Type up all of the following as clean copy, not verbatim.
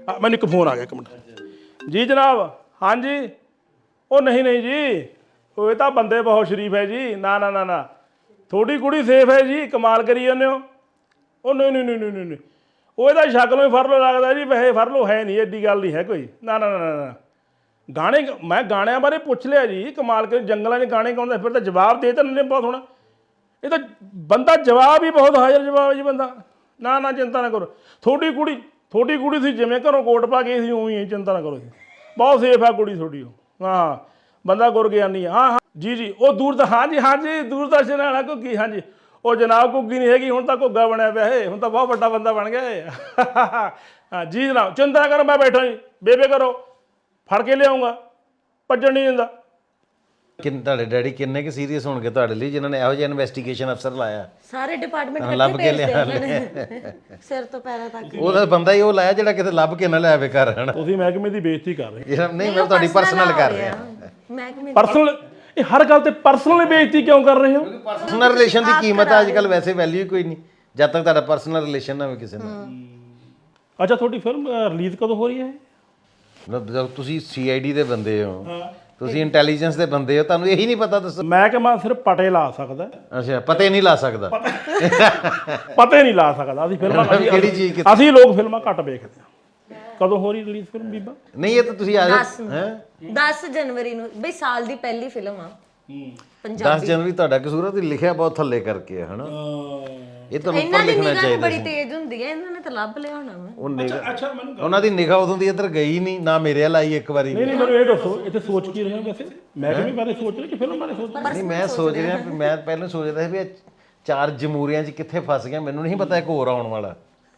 ਮੈਨੂੰ ਇੱਕ ਫੋਨ ਆ ਗਿਆ, ਇੱਕ ਮਿੰਟ ਜੀ ਜਨਾਬ। ਹਾਂਜੀ ਉਹ ਨਹੀਂ ਨਹੀਂ ਜੀ, ਉਹ ਇਹ ਤਾਂ ਬੰਦੇ ਬਹੁਤ ਸ਼ਰੀਫ ਹੈ ਜੀ। ਨਾ ਨਾ ਨਾ ਨਾ, ਤੁਹਾਡੀ ਕੁੜੀ ਸੇਫ ਹੈ ਜੀ, ਕਮਾਲ ਕਰੀ ਜਾਂਦੇ ਹੋ। ਉਹ ਨਹੀਂ ਨਹੀਂ ਨਹੀਂ ਨਹੀਂ ਨਹੀਂ, ਉਹ ਇਹਦਾ ਸ਼ਕਲੋਂ ਹੀ ਫਰਲੋ ਲੱਗਦਾ ਜੀ। ਵੈਸੇ ਫਰਲੋ ਹੈ ਨਹੀਂ, ਐਡੀ ਗੱਲ ਨਹੀਂ ਹੈ ਕੋਈ। ਨਾ ਨਾ ਨਾ ਨਾ, ਗਾਣੇ ਮੈਂ ਗਾਣਿਆਂ ਬਾਰੇ ਪੁੱਛ ਲਿਆ ਜੀ, ਕਮਾਲ ਕਰ ਜੰਗਲਾਂ 'ਚ ਗਾਣੇ ਗਾਉਂਦਾ ਫਿਰ ਤਾਂ ਜਵਾਬ ਦੇ ਤਾਂ ਨੇ ਬਹੁਤ ਹੋਣਾ। ਇਹ ਤਾਂ ਬੰਦਾ ਜਵਾਬ ਹੀ ਬਹੁਤ ਹਾਜ਼ਰ ਜਵਾਬ ਜੀ ਬੰਦਾ। ਨਾ ਨਾ ਚਿੰਤਾ ਨਾ ਕਰੋ, ਤੁਹਾਡੀ ਕੁੜੀ ਸੀ ਜਿਵੇਂ ਘਰੋਂ ਕੋਟ ਪਾ ਗਈ ਸੀ ਉਵੇਂ ਹੀ, ਚਿੰਤਾ ਨਾ ਕਰੋ, ਬਹੁਤ ਸੇਫ ਆ ਕੁੜੀ ਤੁਹਾਡੀ। ਉਹ ਹਾਂ ਬੰਦਾ ਗੁਰਗਿਆਨੀ ਆ। ਹਾਂ ਹਾਂ ਜੀ ਜੀ, ਉਹ ਹਾਂਜੀ ਹਾਂਜੀ ਦੂਰਦਰਸ਼ਨ ਵਾਲਾ ਘੁੱਗੀ। ਹਾਂਜੀ ਉਹ ਜਨਾਬ ਘੁੱਗੀ ਨਹੀਂ ਹੈਗੀ, ਹੁਣ ਤਾਂ ਘੁੱਗਾ ਬਣਿਆ ਪਿਆ ਹੈ, ਹੁਣ ਤਾਂ ਬਹੁਤ ਵੱਡਾ ਬੰਦਾ ਬਣ ਗਿਆ ਹੈ। ਹਾਂ ਜੀ ਜਨਾਬ, ਚਿੰਤਾ ਨਾ ਕਰੋ, ਮੈਂ ਬੈਠਾ ਜੀ, ਬੇਬੇ ਕਰੋ, ਫੜ ਕੇ ਲਿਆਉਂਗਾ, ਭੱਜਣ ਨਹੀਂ ਦਿੰਦਾ। ਤੁਹਾਡੇ ਡੈਡੀ ਕਿੰਨੇ ਕੁ ਸੀਰੀਅਸ ਹੋਣਗੇ ਤੁਹਾਡੇ ਲਈ, ਜਿਨ੍ਹਾਂ ਨੇ ਇਹੋ ਜਿਹਾ ਇਨਵੈਸਟੀਗੇਸ਼ਨ ਅਫਸਰ ਲਾਇਆ? ਸਾਰੇ ਡਿਪਾਰਟਮੈਂਟ ਲੱਭ ਕੇ ਲਿਆ ਸਿਰ ਤੋਂ ਪੈਰਾਂ ਤੱਕ। ਉਹਦਾ ਬੰਦਾ ਹੀ ਉਹ ਲਾਇਆ ਜਿਹੜਾ ਕਿਤੇ ਲੱਭ ਕੇ ਨਾ ਲਿਆਵੇ ਘਰ। ਹਨਾ ਤੁਸੀਂ ਮਹਿਕਮੇ ਦੀ ਬੇਇੱਜ਼ਤੀ ਕਰ ਰਹੇ ਨਹੀਂ, ਮੈਂ ਤੁਹਾਡੀ ਪਰਸਨਲ ਕਰ ਰਿਹਾ। ਮਹਿਕਮੇ ਪਰਸਨਲ, ਇਹ ਹਰ ਗੱਲ ਤੇ ਪਰਸਨਲ ਬੇਇੱਜ਼ਤੀ ਕਿਉਂ ਕਰ ਰਹੇ ਹੋ? ਪਰਸਨਲ ਰਿਲੇਸ਼ਨ ਦੀ ਕੀਮਤ ਅੱਜ ਕੱਲ ਵੈਸੇ ਵੈਲਿਊ ਕੋਈ ਨਹੀਂ ਜਦ ਤੱਕ ਤੁਹਾਡਾ ਪਰਸਨਲ ਰਿਲੇਸ਼ਨ ਨਾ ਹੋਵੇ ਕਿਸੇ ਨਾਲ। ਅੱਛਾ, ਤੁਹਾਡੀ ਫਿਲਮ ਰਿਲੀਜ਼ ਕਦੋਂ ਹੋ ਰਹੀ ਹੈ? ਮਤਲਬ ਤੁਸੀਂ ਸੀਆਈਡੀ ਦੇ ਬੰਦੇ ਹੋ, ਤੁਸੀਂ ਇੰਟੈਲੀਜੈਂਸ ਦੇ ਬੰਦੇ ਹੋ, ਤੁਹਾਨੂੰ ਇਹੀ ਨਹੀਂ ਪਤਾ? ਦੱਸੋ। ਮਹਿਕਮਾ ਸਿਰਫ ਪਟੇ ਲਾ ਸਕਦਾ। ਅੱਛਾ, ਪਤਾ ਨਹੀਂ ਲਾ ਸਕਦਾ। ਪਤਾ ਨਹੀਂ ਲਾ ਸਕਦਾ। ਅਸੀਂ ਫਿਲਮਾਂ ਕਿਹੜੀ ਚੀਜ਼? ਅਸੀਂ ਲੋਕ ਫਿਲਮਾਂ ਘੱਟ ਵੇਖਦੇ ਹਾਂ। ਕਦੋਂ ਹੋ ਰਹੀ ਰਿਲੀਜ਼ ਫਿਲਮ ਬੀਬਾ? ਨਹੀਂ, ਇਹ ਤਾਂ ਤੁਸੀਂ ਆ 10 ਜਨਵਰੀ ਨੂੰ ਬਈ, ਸਾਲ ਦੀ ਪਹਿਲੀ ਫਿਲਮ ਆ 10 ਜਨਵਰੀ। ਤੁਹਾਡਾ ਕਸੂਰ ਹੈ, ਤੁਸੀਂ ਲਿਖਿਆ ਬਹੁਤ ਥੱਲੇ ਕਰਕੇ ਹਨਾ। ਇਹ ਤੁਹਾਨੂੰ ਉੱਪਰ ਲਿਖਣਾ ਚਾਹੀਦਾ। ਬੜੀ ਤੇਜ਼ ਹੁੰਦੀ ਹੈ, ਇਹਨਾਂ ਨੇ ਤਾਂ ਲੱਭ ਲਿਆ ਹੋਣਾ ਵਾ। ਅੱਛਾ ਮੈਨੂੰ ਉਹਨਾਂ ਦੀ ਨਿਗਾਹ ਉਦੋਂ ਦੀ ਇੱਧਰ ਗਈ ਨਹੀਂ ਨਾ, ਮੇਰੇ ਵੱਲ ਆਈ ਇੱਕ ਵਾਰੀ। ਨਹੀਂ ਨਹੀਂ, ਮੈਨੂੰ ਇਹ ਦੱਸੋ, ਇੱਥੇ ਸੋਚ ਕੀ ਰਹੇ ਹੋ ਵੈਸੇ? ਮਹਿਕਮੇ ਬਾਰੇ ਸੋਚ ਰਹੇ ਕਿ ਫਿਲਮ ਬਾਰੇ ਸੋਚ ਰਹੇ? ਨਹੀਂ, ਮੈਂ ਸੋਚ ਰਿਹਾ, ਮੈਂ ਪਹਿਲਾਂ ਸੋਚ ਰਿਹਾ ਸੀ ਵੀ ਇਹ 4 ਜਮਹੂਰੀਆਂ 'ਚ ਕਿੱਥੇ ਫਸ ਗਿਆ, ਮੈਨੂੰ ਨਹੀਂ ਪਤਾ ਇੱਕ ਹੋਰ ਆਉਣ ਵਾਲਾ।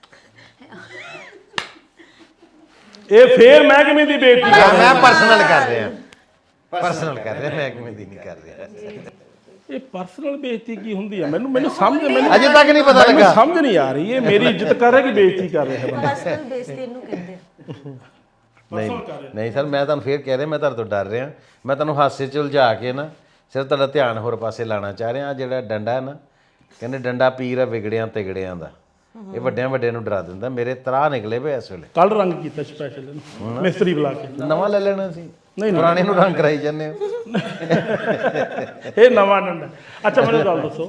ਇਹ ਫੇਰ ਮਹਿਕਮੇ ਦੀ ਬੇਇੱਜ਼ਤੀ। ਮੈਂ ਪਰਸਨਲ ਕਰ ਰਿਹਾ, ਮਹਿਕਮੇ ਦੀ ਨਹੀਂ ਕਰ ਰਿਹਾ। ਇਹ ਪਰਸਨਲ ਬੇਇੱਜ਼ਤੀ ਕੀ ਹੁੰਦੀ ਹੈ? ਮੈਨੂੰ ਸਮਝ, ਮੈਨੂੰ ਅਜੇ ਤੱਕ ਨਹੀਂ ਪਤਾ ਲੱਗਾ। ਸਮਝ ਨਹੀਂ ਆ ਰਹੀ। ਇਹ ਮੇਰੀ ਇੱਜ਼ਤ ਕਰ ਰਿਹਾ ਕਿ ਬੇਇੱਜ਼ਤੀ ਕਰ ਰਿਹਾ ਹੈ? ਪਰਸਨਲ ਬੇਇੱਜ਼ਤੀ ਇਹਨੂੰ ਕਹਿੰਦੇ ਆ। ਨਹੀਂ ਸਰ, ਮੈਂ ਤੁਹਾਨੂੰ ਫੇਰ ਕਹਿ ਰਿਹਾ, ਮੈਂ ਤੁਹਾਡੇ ਤੋਂ ਡਰ ਰਿਹਾ। ਮੈਂ ਤੁਹਾਨੂੰ ਹਾਸੇ 'ਚ ਉਲਝਾ ਕੇ ਨਾ ਸਿਰਫ ਤੁਹਾਡਾ ਧਿਆਨ ਹੋਰ ਪਾਸੇ ਲਾਉਣਾ ਚਾਹ ਰਿਹਾ। ਜਿਹੜਾ ਡੰਡਾ ਹੈ ਨਾ, ਕਹਿੰਦੇ ਡੰਡਾ ਪੀਰ ਹੈ ਵਿਗੜਿਆਂ ਤਿਗੜਿਆਂ ਦਾ, ਇਹ ਵੱਡਿਆਂ ਨੂੰ ਡਰਾ ਦਿੰਦਾ। ਮੇਰੇ ਤਰਾਹ ਨਿਕਲੇ ਪਏ ਇਸ ਵੇਲੇ। ਕੱਲ ਰੰਗ ਕੀਤਾ ਸਪੈਸ਼ਲ ਇਹਨੂੰ, ਮਿਸਤਰੀ ਬੁਲਾ ਕੇ। ਨਵਾਂ ਲੈ ਲੈਣਾ ਸੀ, ਨਹੀਂ ਪੁਰਾਣੇ ਨੂੰ ਰੰਗ ਕਰਾਈ ਜਾਂਦੇ ਹੋ। ਇਹ ਨਵਾਂ ਡੰਡਾ। ਅੱਛਾ ਮੈਨੂੰ ਗੱਲ ਦੱਸੋ,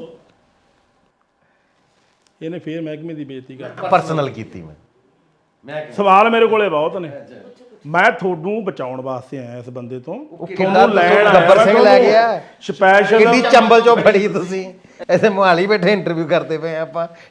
ਇਹਨੇ ਫੇਰ ਮਹਿਕਮੇ ਦੀ ਬੇਇੱਜ਼ਤੀ ਕਰ? ਪਰਸਨਲ ਕੀਤੀ ਮੈਂ। ਸਵਾਲ ਮੇਰੇ ਕੋਲੇ ਬਹੁਤ ਨੇ। ਮੈਂ ਤੁਹਾਨੂੰ ਬਚਾਉਣ ਵਾਸਤੇ ਆਇਆ ਇਸ ਬੰਦੇ ਤੋਂ, ਕਿੰਨਾ ਤੁਹਾਨੂੰ ਲੈਣ ਆਇਆ। ਗੱਬਰ ਸਿੰਘ ਲੈ ਗਿਆ ਸਪੈਸ਼ਲ। ਕਿੱਡੀ ਚੰਬਲ ਚੋਂ ਫੜੀ ਤੁਸੀਂ। ਇੱਥੇ ਮੁਹਾਲੀ ਬੈਠੇ ਇੰਟਰਵਿਊ ਕਰਦੇ ਪਏ ਆਪਾਂ।